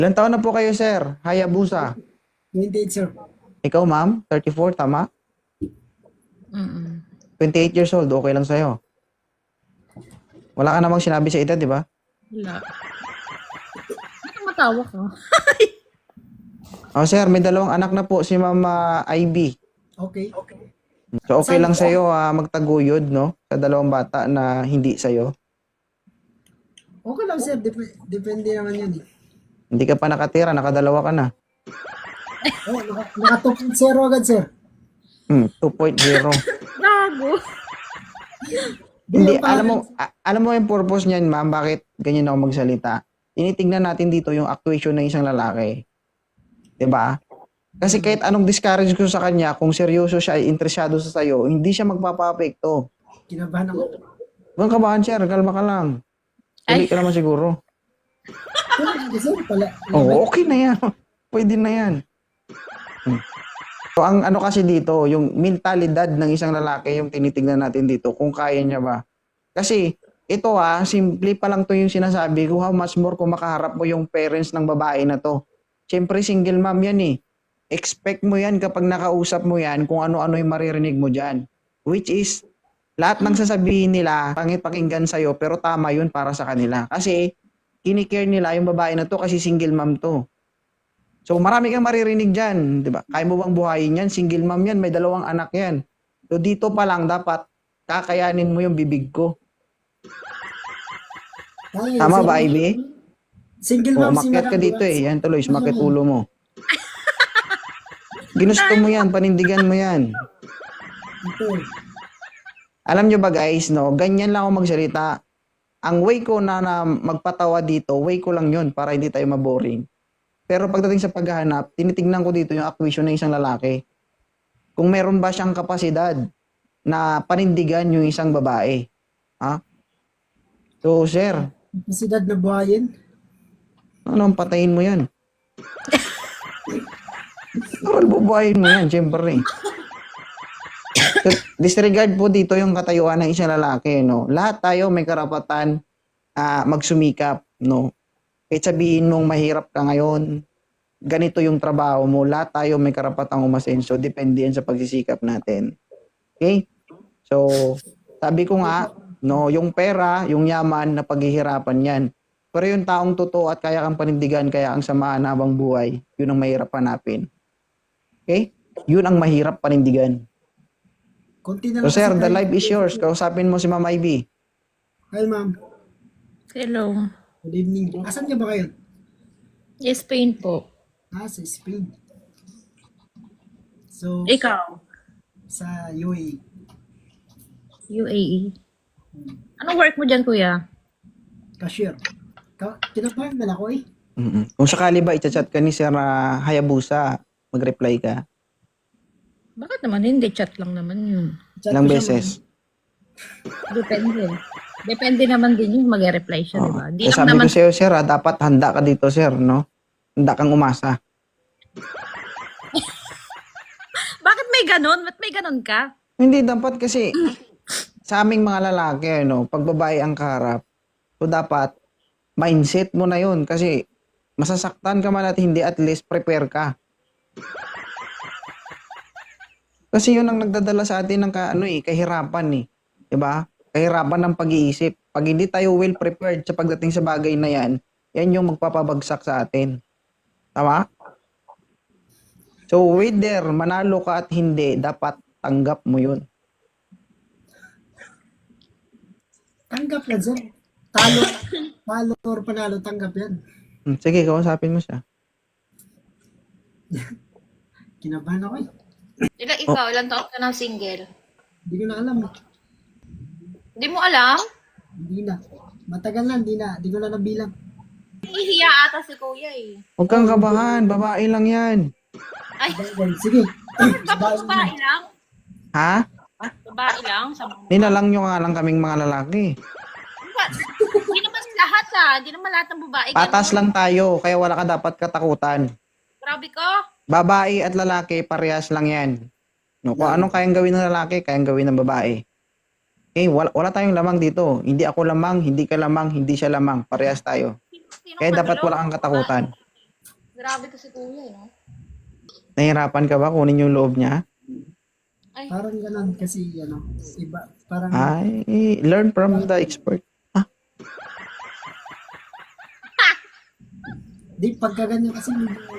Ilan taon na po kayo, sir? Hayabusa. 28, sir. Ikaw, ma'am? 34, tama? Mm. 28 years old, okay lang sa'yo. Wala ka namang sinabi sa edad, di ba? Wala. Bakit matawa ka? Oh, sir, may dalawang anak na po si Mama Ivy. Okay. So, okay lang sa'yo magtaguyod, no? Sa dalawang bata na hindi sa'yo. Okay lang, sir. Depende naman yun. Hindi ka pa nakatira, nakadalawa ka na. Oh, naka 2.0 agad, sir. 2.0. Gago. Hindi, Yung parang- alam mo yung purpose niyan, ma'am, bakit ganyan ako magsalita? Tinitingnan natin dito yung actuation ng isang lalaki. 'Di ba? Kasi kahit anong discourage ko sa kanya, kung seryoso siya ay interesado sa sayo, hindi siya magpapa-apekto. Kinabahan ako. Huwag kabahan, sir, kalma ka lang. Tuloy ka naman siguro. Sir, pala. Oo, okay na yan. Pwede na yan. So, ang ano kasi dito, yung mentalidad ng isang lalaki, yung tinitingnan natin dito, kung kaya niya ba. Kasi, ito simple pa lang to yung sinasabi ko, how much more kung makaharap mo yung parents ng babae na to. Siyempre, single mom yan eh. Expect mo yan kapag nakausap mo yan kung ano-ano yung maririnig mo dyan. Which is, lahat ng sasabihin nila, pangit pakinggan sa'yo, pero tama yun para sa kanila. Kasi, kinikare nila yung babae na to kasi single mom to. So, marami kang maririnig dyan, di ba? Kaya mo bang buhayin yan? Single mom yan, may dalawang anak yan. So, dito pa lang dapat kakayanin mo yung bibig ko. Tama ba, Ivy? Single O, mom si umakyat ka Madam dito Duras. eh. Yan tuloy, sumakit ulo mo. Ginusto mo yan, panindigan mo yan. Ito. Alam nyo ba guys, no? Ganyan lang ako magsalita. Ang way ko na magpatawa dito, way ko lang yun para hindi tayo maboring. Pero pagdating sa paghahanap, tinitingnan ko dito yung actuation ng isang lalaki. Kung meron ba siyang kapasidad na panindigan yung isang babae. Ha? So, sir, Kapasidad na buhayin. ano, patayin mo yan. Ano, bubuhayin mo yan, siyempre. So, disregard po dito yung katayuan ng isang lalaki, no? Lahat tayo may karapatan magsumikap, no? Kahit sabihin mong mahirap ka ngayon, ganito yung trabaho mo, lahat tayo may karapatang umasenso, depende yan sa pagsisikap natin. Okay? So, sabi ko nga, no, yung pera, yung yaman, na paghihirapan yan. Pero yung taong totoo at kaya kang panindigan, kaya ang samahan habang buhay, yun ang mahirap hanapin. Okay? Yun ang mahirap panindigan. Konti na So, lang sir, kasi the tayo. life is yours. Kausapin mo si Ma'am Ivy. Hi, ma'am. Hello. Good evening. Asan ka ba kayo? Yes, Spain po. Sa Spain. So, Ikaw? sa UAE. UAE. Anong work mo dyan, kuya? Cashier. Kinabahan na ako eh. Kung sakali ba i-chat ka ni Sir Hayabusa, mag-reply ka. Bakit naman? Hindi, chat lang naman yun. Chat Ilang ko siya, beses. Depende. Depende naman din yung mag-reply siya, di ba? Di Eh, lang sabi naman, ko sa'yo, Sir, dapat handa ka dito, Sir, no? Handa kang umasa. bakit may ganon? Ba't may ganon ka? Hindi, dapat kasi sa aming mga lalaki, no, pag babae ang kaharap, so dapat mindset mo na yun kasi masasaktan ka man at hindi, at least prepare ka. Kasi yun ang nagdadala sa atin ng kahirapan eh. 'Di ba? Kahirapan ng pag-iisip. Pag hindi tayo well prepared sa pagdating sa bagay na yan, yan yung magpapabagsak sa atin. Tama? So, whether manalo ka at hindi, dapat tanggap mo yun. Tanggap yan, sir. Talo or panalo, tanggap yan. Sige, kausapin mo siya. Kinabahan ako eh. Ilan taon ka na single? Hindi ko na alam. Hindi mo alam? Hindi na. Matagal na, hindi ko na nabilang. Hihiya ata si kuya eh. Huwag kang kabahan, babae lang yan. Ay, Sige. babae lang? Ha? Babae lang? Sa mga... Nilalang nyo nga lang kaming mga lalaki. Hindi naman lahat Hindi naman lahat ng babae. Patas ganun. lang tayo, kaya wala ka dapat katakutan. Grabe ko. Babae at lalaki, parehas lang yan. No, kung anong kayang gawin ng lalaki, kayang gawin ng babae. Okay, wala tayong lamang dito. Hindi ako lamang, hindi ka lamang, hindi siya lamang. Parehas tayo. Sino Kaya dapat matulog? wala kang katakutan. Grabe to si kuya, no? Nahihirapan ka ba kunin yung loob niya? Ay, Parang ganun kasi, iba. Parang, Ay, learn from the expert. di, pagka ganyan kasi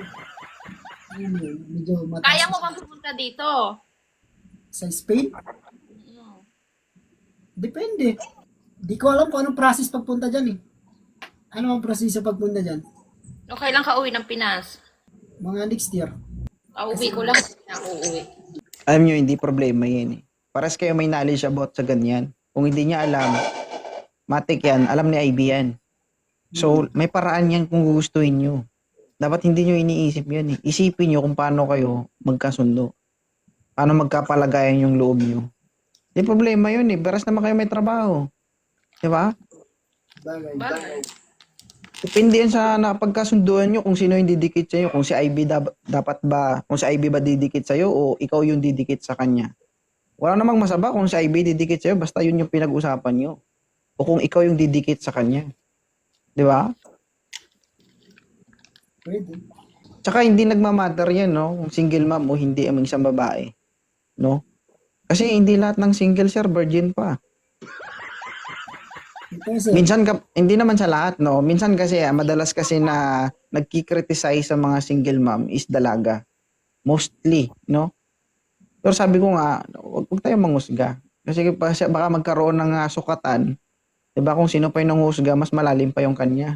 medyo mataas. kaya mo bang pumunta dito? Sa Spain? Mm. Depende. Di ko alam kung anong process pagpunta dyan eh. Ano ang proseso pagpunta dyan? Okay lang ka uwi ng Pinas. Mga next year. Uwi ko lang. Ako uuwi. Alam nyo, hindi problema yan eh. Paras kayo may knowledge about sa ganyan. Kung hindi niya alam, matik yan, alam ni IB yan. So, may paraan yan kung gugustuhin nyo. Dapat hindi nyo iniisip yan eh. Isipin nyo kung paano kayo magkasundo. Paano magkapalagayan yung loob nyo. Hindi problema yun eh. Paras naman kayo may trabaho. Diba? Bagay. Bagay. Depende yan sa napagkasunduan nyo kung sino yung didikit sa'yo. Kung si IB dapat ba, kung si IB ba didikit sa'yo o ikaw yung didikit sa kanya. Wala namang masama kung si IB didikit sa'yo, basta yun yung pinag-usapan nyo. O kung ikaw yung didikit sa kanya. Di ba? Pwede. Tsaka hindi nagmamatter yan, no? Kung single mom o hindi ang isang babae. No? Kasi hindi lahat ng single, sir, virgin pa. Ito sir, Minsan, hindi naman sa lahat, no? Minsan kasi, madalas kasi na nagkikriticize sa mga single mom is dalaga. Mostly, no? Pero sabi ko nga, huwag tayong manghusga. Kasi baka magkaroon ng sukatan. Diba kung sino pa yung nanghusga, mas malalim pa yung kanya.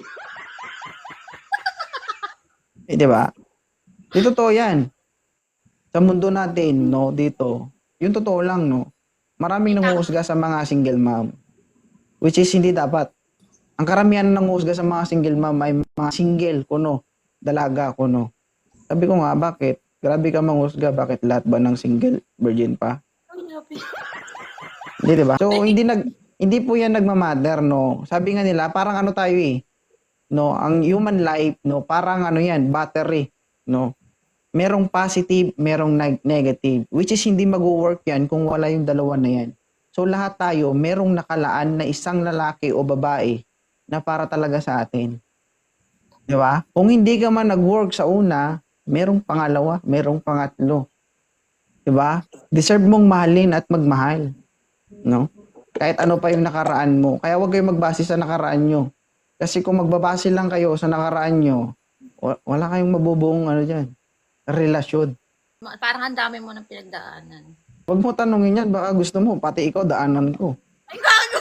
Diba? Di totoo yan. Sa mundo natin, no, dito, yung totoo lang, no, maraming nanghusga sa mga single mom. Which is hindi dapat. Ang karamihan ng nanghusga sa mga single mom ay mga single, kuno, dalaga, kuno. Sabi ko nga, bakit? Grabe ka manghusga, bakit lahat ba ng single, virgin pa? Ay, grabe. Hindi, diba? So, hindi po yan nagmamatter, no? Sabi nga nila, parang ano tayo eh, no? Ang human life, no? Parang ano yan, battery, no? Merong positive, merong negative, which is hindi mag-work yan kung wala yung dalawa na yan. So, lahat tayo, merong nakalaan na isang lalaki o babae na para talaga sa atin. Di ba? Kung hindi ka man nag-work sa una, merong pangalawa, merong pangatlo. Di ba? Deserve mong mahalin at magmahal. No? Kahit ano pa yung nakaraan mo. Kaya huwag kayong magbase sa nakaraan nyo. Kasi kung magbabase lang kayo sa nakaraan nyo, wala kayong mabubuong relasyon. Parang ang dami mo ng pinagdaanan. Huwag mo tanongin yan, baka gusto mo, pati ikaw, daanan ko. Ay, gago!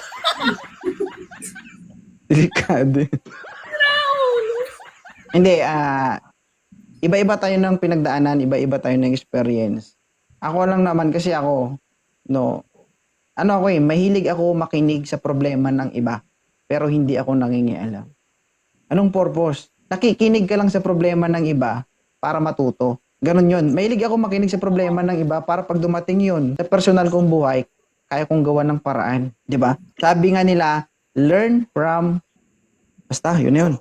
Delikado. Hindi, iba-iba tayo ng pinagdaanan, iba-iba tayo ng experience. Ako lang naman kasi ako, no, mahilig ako makinig sa problema ng iba, pero hindi ako nangingialam. Anong purpose? Nakikinig ka lang sa problema ng iba para matuto. Ganon yun. Mahilig ako makinig sa problema ng iba para pag dumating yun sa personal kong buhay, kaya kong gawa ng paraan. Di ba? Sabi nga nila, learn from... Basta, yun.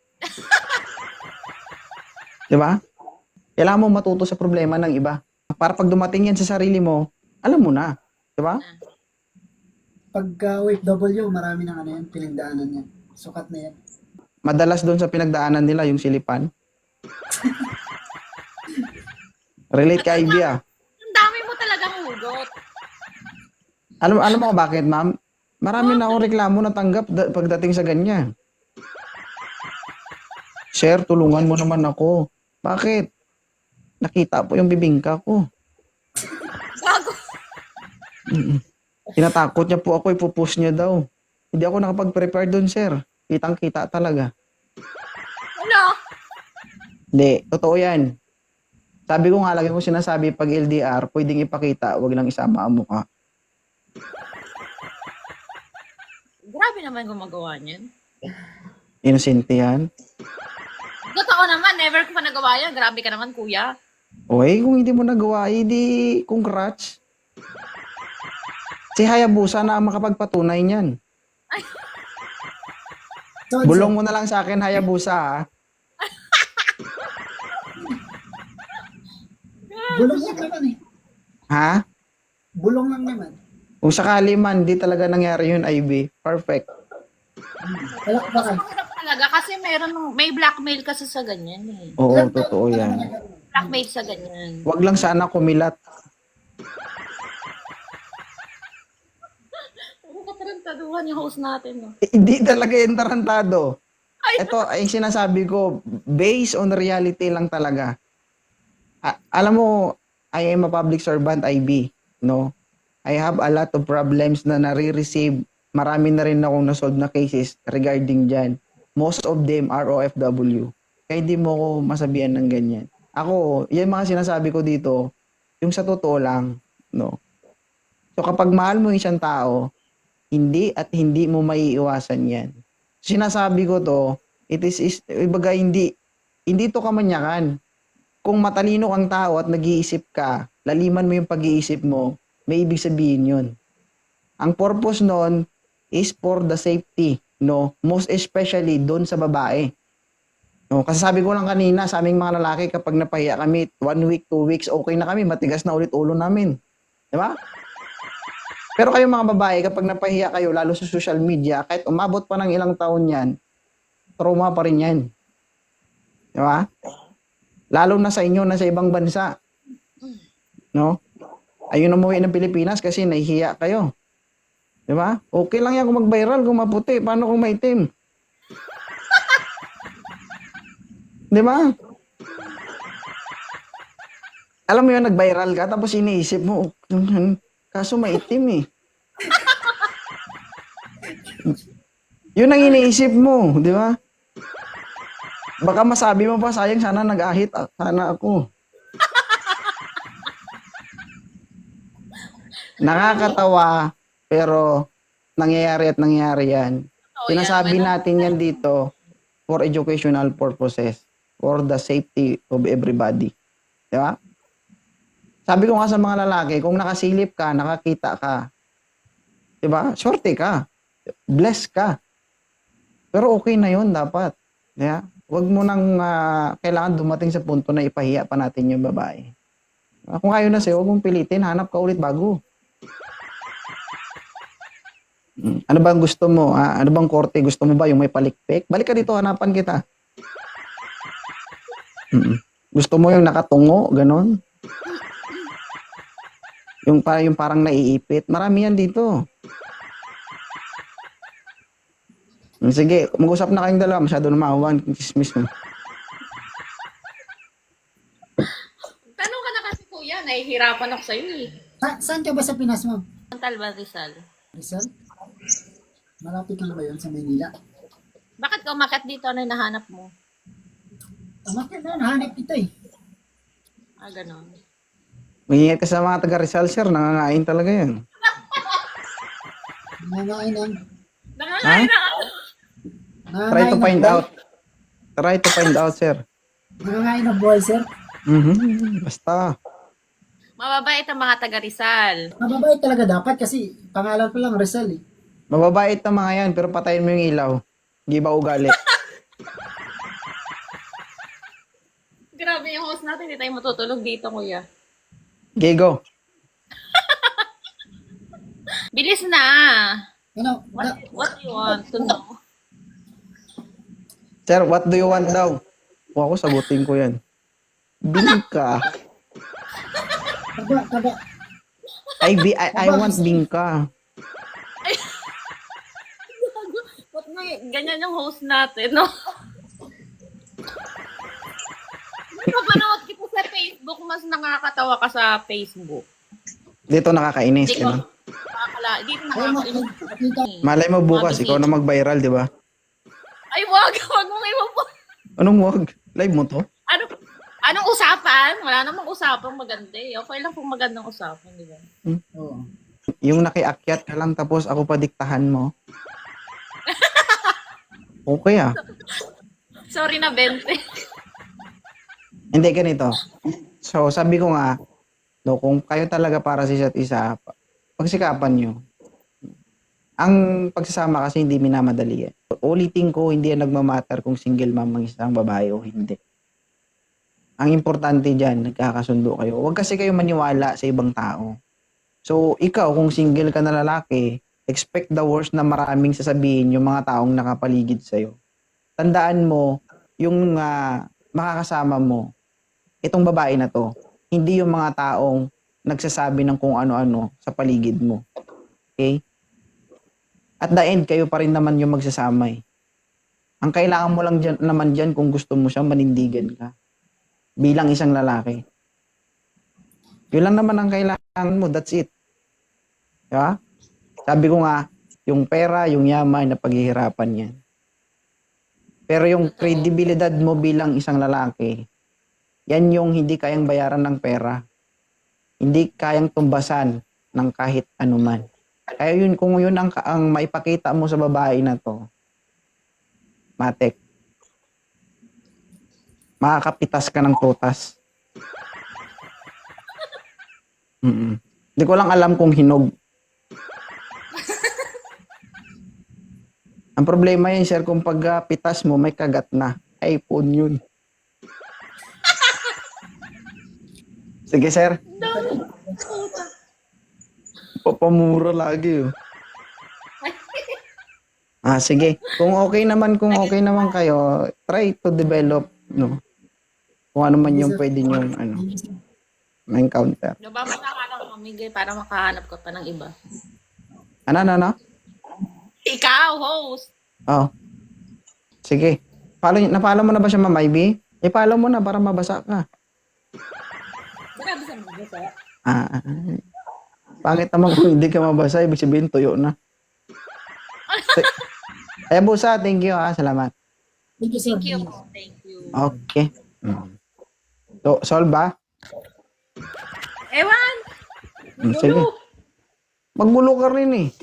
Di ba? Kailangan mo matuto sa problema ng iba. Para pag dumating yan sa sarili mo, alam mo na. Di ba? pagka OFW, marami ng pinagdaanan niya. Sukat na yan. Madalas doon sa pinagdaanan nila yung silipan. Relate kay Ivy ah. Ang dami mo talagang hugot. Alam mo bakit, ma'am? Marami na akong reklamo natanggap pagdating sa ganyan. Sir, tulungan mo naman ako. Bakit? Nakita po yung bibingka ko. Gago. Tinatakot niya po ako, ipupush niya daw. Hindi ako nakapag-prepare doon, sir. Kitang-kita talaga. Ano? Hindi, totoo yan. Sabi ko nga, lagi ko sinasabi, pag LDR, pwedeng ipakita, wag lang isama ang mukha. Grabe naman gumagawa niyan. Innocent yan. Totoo naman, never ko pa nagawa yan. Grabe ka naman, kuya. Okay, kung hindi mo nagawa, hindi congrats. Si Hayabusa na ang makapagpatunay niyan. So, Bulong mo na lang sa akin, Hayabusa, ha? bulong lang naman eh. Ha? Bulong lang naman. Kung sakali man, di talaga nangyari yun, Ivy. Perfect. Palakpakan. Mahirap talaga kasi may blackmail kasi sa ganyan eh. Oo, totoo yan. Blackmail sa ganyan. Wag lang sana kumilat. Puro katarantaduhan yung host natin, no? Hindi talaga yung tarantado. Ito ay sinasabi ko, based on reality lang talaga. Alam mo, I am a public servant, IB, no? I have a lot of problems na nare-receive. Marami na rin akong nasolve na cases regarding dyan. Most of them are OFW. Kaya hindi mo ko masabihan ng ganyan. Ako, yan mga sinasabi ko dito, yung sa totoo lang, no? So kapag mahal mo yung isang tao, hindi at hindi mo maiiwasan yan. Sinasabi ko to, ibaga hindi to kamanyakan. Kung matalino kang tao at nag-iisip ka, laliman mo yung pag-iisip mo, may ibig sabihin yun. Ang purpose nun is for the safety, no? Most especially doon sa babae. No? Kasi sabi ko lang kanina sa aming mga lalaki, kapag napahiya kami, 1 week, 2 weeks, okay na kami, matigas na ulit ulo namin. Di ba? Pero kayo mga babae, kapag napahiya kayo, lalo sa social media, kahit umabot pa ng ilang taon yan, trauma pa rin yan. Di ba? Lalo na sa inyo, na sa ibang bansa. No? Ayun umuwi ng Pilipinas kasi nahihiya kayo. Di ba? Okay lang yan kung mag-viral, kung maputi. Paano kung maitim? Di ba? Alam mo yun, nag-viral ka, tapos iniisip mo, kaso maitim eh. Yun ang iniisip mo, di ba? Baka masabi mo pa, sayang sana nag-ahit, sana ako. Nakakatawa, pero nangyayari yan. Sinasabi natin yan dito for educational purposes, for the safety of everybody. Di ba? Sabi ko nga sa mga lalaki, kung nakasilip ka, nakakita ka, di ba? Swerte ka. Blessed ka. Pero okay na yun dapat. Yeah? Huwag mo nang kailangan dumating sa punto na ipahiya pa natin yung babae. Kung ayaw na sa'yo, huwag mong pilitin, hanap ka ulit bago. Ano bang gusto mo? Ano bang korte? Gusto mo ba yung may palikpik? Balik ka dito, hanapan kita. Gusto mo yung nakatungo? Ganon? Yung parang naiipit? Marami yan dito. Sige, mag-usap na kayong dalawa. Masyado na maawan. Chismis mo. Tanong ka na kasi kuya, nahihirapan ako sa'yo eh. Saan ka ba sa Pinas, ma'am? Montal ba, Rizal? Rizal? Malapit lang ba yun sa Maynila? Bakit ka umakyat dito? Ano yung nahanap mo? Umakit na, nahanap ito eh. Ganon. Mag-ingat ka sa mga taga Rizal, sir. Nangangain talaga yan. Nangangain ng... Nangangain na ako. Try to find out. Try to find out, sir. Nangangain ng buhay, sir. Basta. Mababait ang mga taga Rizal. Mababait talaga dapat kasi pangalan ko lang Rizal eh. Mababait na mga yan, pero patayin mo yung ilaw. Hindi ba ugali? Grabe yung host natin, hindi tayo matutulog dito, kuya. Gigo. Bilis na! Ano? What do you want to know? Sir, what do you want daw? O ako, sagutin ko yan. Bingka. Taba. I want bingka. Ba't may ganyan yung host natin, no? Napanood kita sa Facebook, mas nakakatawa ka sa Facebook. Dito nakakainis. Dito, Ano? dito nakakainis. Malay mo bukas, ikaw na mag-viral, di ba? Ay, wag mo iwan po. Anong wag? Live mo to? Anong usapan? Wala namang usapang maganda eh. Okay lang kung magandang usapan, di ba? Oo. Yung nakiakyat ka lang tapos ako pa diktahan mo. Okay ah. Sorry na, Bente. Hindi, ganito. So, sabi ko nga, no, kung kayo talaga para sa isa't isa, pagsikapan nyo. Ang pagsasama kasi hindi minamadali yan. Ulitin ko, hindi yan nagmamatter kung single mom ang isang babae o hindi. Ang importante dyan, nagkakasundo kayo. Huwag kasi kayo maniwala sa ibang tao. So, ikaw, kung single ka na lalaki, expect the worst na maraming sasabihin yung mga taong nakapaligid sa'yo. tandaan mo, yung makakasama mo, itong babae na to, hindi yung mga taong nagsasabi ng kung ano-ano sa paligid mo. Okay? At the end, kayo pa rin naman yung magsasama eh. Ang kailangan mo lang naman dyan kung gusto mo siya, manindigan ka. Bilang isang lalaki. Yun lang naman ang kailangan mo. That's it. Diba? Sabi ko nga, yung pera, yung yaman, na paghihirapan yan. Pero yung kredibilidad mo bilang isang lalaki, yan yung hindi kayang bayaran ng pera. Hindi kayang tumbasan ng kahit anuman. Kaya yun, kung yun ang maipakita mo sa babae na to, matek, makakapitas ka ng prutas. Hindi ko lang alam kung hinog. Ang problema yan, sir, kung pagpitas mo, may kagat na. iPhone yun. Sige, sir. Papamura lagi, oh. Sige. Kung okay naman kayo, try to develop, no? Kung ano man yung pwede nyo, ma-encounter. Nababasa ka lang mamigay para makahanap ka pa ng iba. Ano? Ikaw, host. Oh. Sige. Napalo mo na ba siya, Ma'am Ivy? I-follow mo na para mabasa ka. Sinabi sa magbasa. Pangit naman kung hindi ka mabasa, ibig sabihin tuyo na. Ay, Busa, thank you salamat. Thank you, sir. Thank you. Okay. So, solve ba? Ewan! Sige. Maggulo ka rin eh.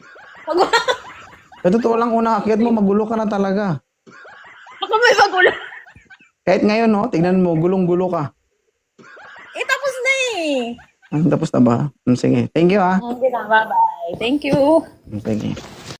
Sa totoo lang, unang akyat mo, magulo ka na talaga. Ako may magulo. Kahit ngayon, no, tignan mo, gulong-gulo ka. Tapos na eh. Tapos na ba? Sige. Thank you, Okay na, bye-bye. Thank you. Sige.